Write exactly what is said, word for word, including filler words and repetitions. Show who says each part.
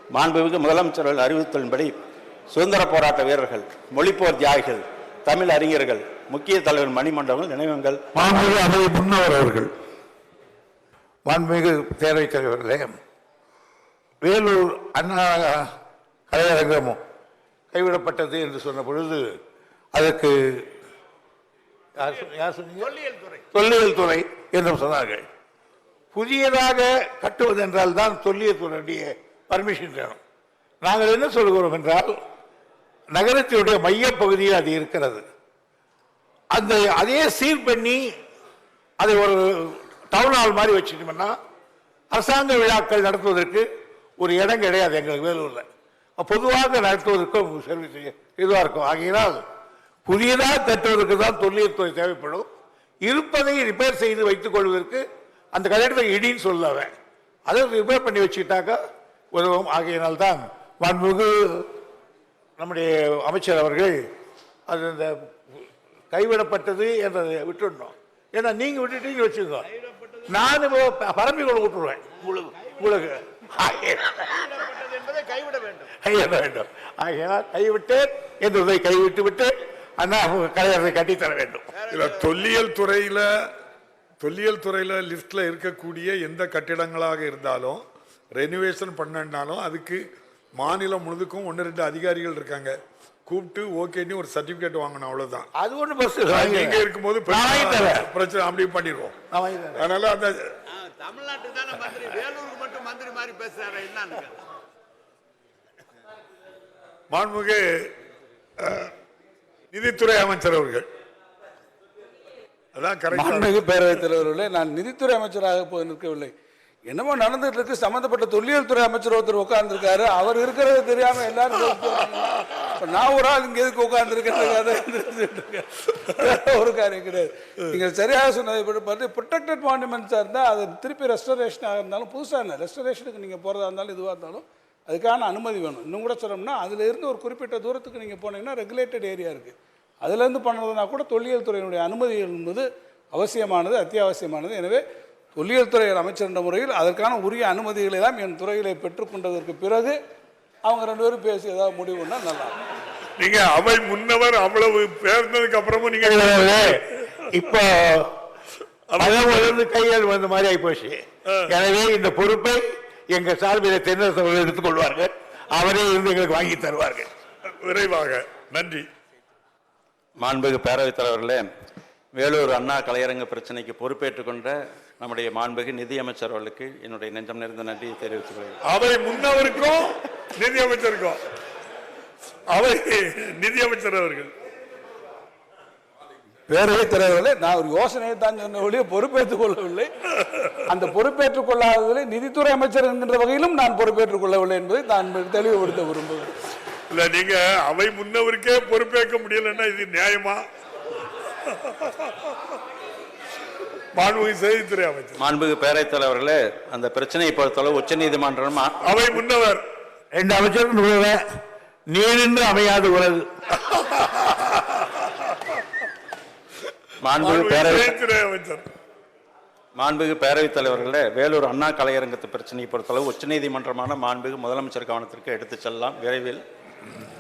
Speaker 1: மாண்புமிகு முதலமைச்சர்கள் அறிவித்தலின்படி சுதந்திர போராட்ட வீரர்கள், மொழிப்போர் தியாகிகள், தமிழ் அறிஞர்கள், முக்கிய தலைவர் மணிமண்டபங்கள் நினைவங்கள்
Speaker 2: மாண்புமிகு அவை முன்னவர் அவர்கள். மாண்புமிகு பேரவைத் தலைவர்களே, வேலூர் அண்ணா கலையரங்கமும் கைவிடப்பட்டது என்று சொன்ன பொழுது அதற்கு தொல்லியல் துறை என்றும் சொன்னார்கள். புதியதாக கட்டுவது என்றால் தான் தொல்லியல் துறையுடைய பர்மிஷன் வேணும். நாங்கள் என்ன சொல்கிறோம் என்றால், நகரத்தினுடைய மையப்பகுதியில் அது இருக்கிறது. அந்த அதே சீர் பண்ணி அதை ஒரு டவுன் ஹால் மாதிரி வச்சுட்டோம்னா அரசாங்க விழாக்கள் நடத்துவதற்கு ஒரு இடம் கிடையாது எங்களுக்கு வேலூரில். பொதுவாக நடத்துவதற்கும் சர்வீஸ் இதுவாக இருக்கும். ஆகையினால் புதியதாக கட்டுவதற்கு தான் தொல்லியல் துறை தேவைப்படும். இருப்பதை ரிப்பேர் செய்து வைத்துக் கொள்வதற்கு அந்த கட்டிடத்தை இடின்னு சொல்லவன் அதை ரிப்பேர் பண்ணி வச்சுக்கிட்டாக்கா உதவும். ஆகையினால் தான் மாண்புமிகு நம்முடைய அமைச்சர் அவர்கள் அது இந்த கைவிடப்பட்டது என்றதை விட்டுடணும். ஏன்னா நீங்க விட்டுட்டீங்க வச்சுக்கோ, நான் பரம்பி கொண்டு விட்டுருவேன் உங்களுக்கு. கைவிட வேண்டும். ஆகையால் கைவிட்டேன் என்றதை கைவிட்டு விட்டு அண்ணா கலையரசை கட்டித்தர வேண்டும்.
Speaker 3: தொல்லியல் துறையில தொல்லியல் துறையில லிஸ்ட்ல இருக்கக்கூடிய எந்த கட்டிடங்களாக இருந்தாலும் ரெனிவேஷன் பண்ணனாலும் அதுக்கு மாநிலம் முழுதுக்கும் ஒன்று ரெண்டு அதிகாரிகள் இருக்காங்க. கூப்பிட்டு ஓகேன்னு ஒரு சர்டிபிகேட் வாங்கணும், அவ்வளவுதான்.
Speaker 2: அது ஒண்ணு பஸ்
Speaker 3: இங்க இருக்கும்போது பிரச்சனை அப்படி பண்ணிடுவோம். அதனால அந்த
Speaker 4: தமிழ்நாட்டுக்கு தானே மந்திரி, வேலூருக்கு மட்டும் மந்திரி மாதிரி பேசுறாரு என்னன்னு.
Speaker 3: மாண்புமிகு நிதித்துறை அமைச்சர் அவர்கள். அதான்
Speaker 5: மாண்புமிகு பேரவைத் தலைவர்களே, நான் நிதித்துறை அமைச்சராக போய் நிற்கவில்லை. என்னமோ நடந்துட்டு இருக்கு. சம்பந்தப்பட்ட தொல்லியல் துறை அமைச்சர் ஒருத்தர் உட்கார்ந்துருக்காரு. அவர் இருக்கிறது தெரியாம எல்லாரும் நான் ஒரு ஆள் இங்க எதுக்கு உட்கார்ந்துருக்கேன் ஒரு காரியம் கிடையாது. நீங்க சரியாக சொன்னதை ப்ரொடெக்டட் மானுமெண்ட்ஸா இருந்தா அது திருப்பி ரெஸ்டரேஷனாக இருந்தாலும், புதுசாக இல்லை ரெஸ்டரேஷனுக்கு நீங்க போறதா இருந்தாலும் இதுவாக இருந்தாலும் அதுக்கான அனுமதி வேணும். இன்னும் கூட சொல்லணும்னா அதுல இருந்து ஒரு குறிப்பிட்ட தூரத்துக்கு நீங்க போனீங்கன்னா ரெகுலேட்டட் ஏரியா இருக்கு, அதுல இருந்து பண்ணுறதுனா கூட தொல்லியல் துறையினுடைய அனுமதி என்பது அவசியமானது, அத்தியாவசியமானது. எனவே தொல்லியல் துறை அமைச்சர் என்ற முறையில் அதற்கான உரிய அனுமதிகளை தான் என் துறைகளை பெற்றுக்கொண்டதற்கு பிறகு அவங்க ரெண்டு பேரும் பேசி ஏதாவது முடிவுன்னா நல்லா.
Speaker 3: நீங்க அவை முன்னவர் அவ்வளவு பேர்ந்ததுக்கு அப்புறமும் நீங்க
Speaker 2: இப்போ கையால் வந்த மாதிரி ஆகி போச்சு. எனவே இந்த பொறுப்பை எங்க சார்பில் தென்னரசு எடுத்துக் கொள்வார்கள். அவரே இருந்து எங்களுக்கு வாங்கி தருவார்கள்
Speaker 3: விரைவாக. நன்றி.
Speaker 1: மாண்புமிகு பேரவைத் தலைவர்களே, வேலூர் அண்ணா கலையரங்க பிரச்சனைக்கு பொறுப்பேற்றுக் கொண்ட நம்முடைய மாண்புமிகு நிதியமைச்சர் அவர்களுக்கு என்னுடைய நெஞ்சம் நிறைந்த நன்றியை தெரிவித்துக்
Speaker 3: அவை முன்னவருக்கும் நிதியமைச்சருக்கும் அவை நிதியமைச்சர் அவர்கள்.
Speaker 5: பேரவைத் தலைவர்களே, நான் ஒரு யோசனையை தான் சொன்ன ஒழிய பொறுப்பேற்றுக் கொள்ளவில்லை. அந்த பொறுப்பேற்றுக் கொள்ளாததில் நிதித்துறை அமைச்சர் என்கின்ற வகையிலும் நான் பொறுப்பேற்றுக் கொள்ளவில்லை என்பதை நான் தெளிவுபடுத்த விரும்புகிறேன்.
Speaker 3: இல்ல, நீங்க அவை முன்னவருக்கே பொறுப்பேற்க முடியலன்னா இது நியாயமா? மாண்புமிகு செய்தித்துறை அமைச்சர்.
Speaker 1: மாண்புமிகு பேரவைத் தலைவர்களே, அந்த பிரச்சனையை பொறுத்தளவு உச்ச நீதிமன்றம்
Speaker 3: அவை முன்னவர்
Speaker 2: ரெண்டு அமைச்சர் நீரின்று அமையாது உலகு.
Speaker 1: மாண்புமிகு பேரவைத்துறை அமைச்சர். மாண்புமிகு பேரவைத் தலைவர்களே, வேலூர் அண்ணா கலையரங்கத்து பிரச்சனையை பொறுத்தளவு உச்ச நீதிமன்றமான மாண்புமிகு முதலமைச்சர் கவனத்திற்கு எடுத்துச் செல்லலாம் விரைவில்.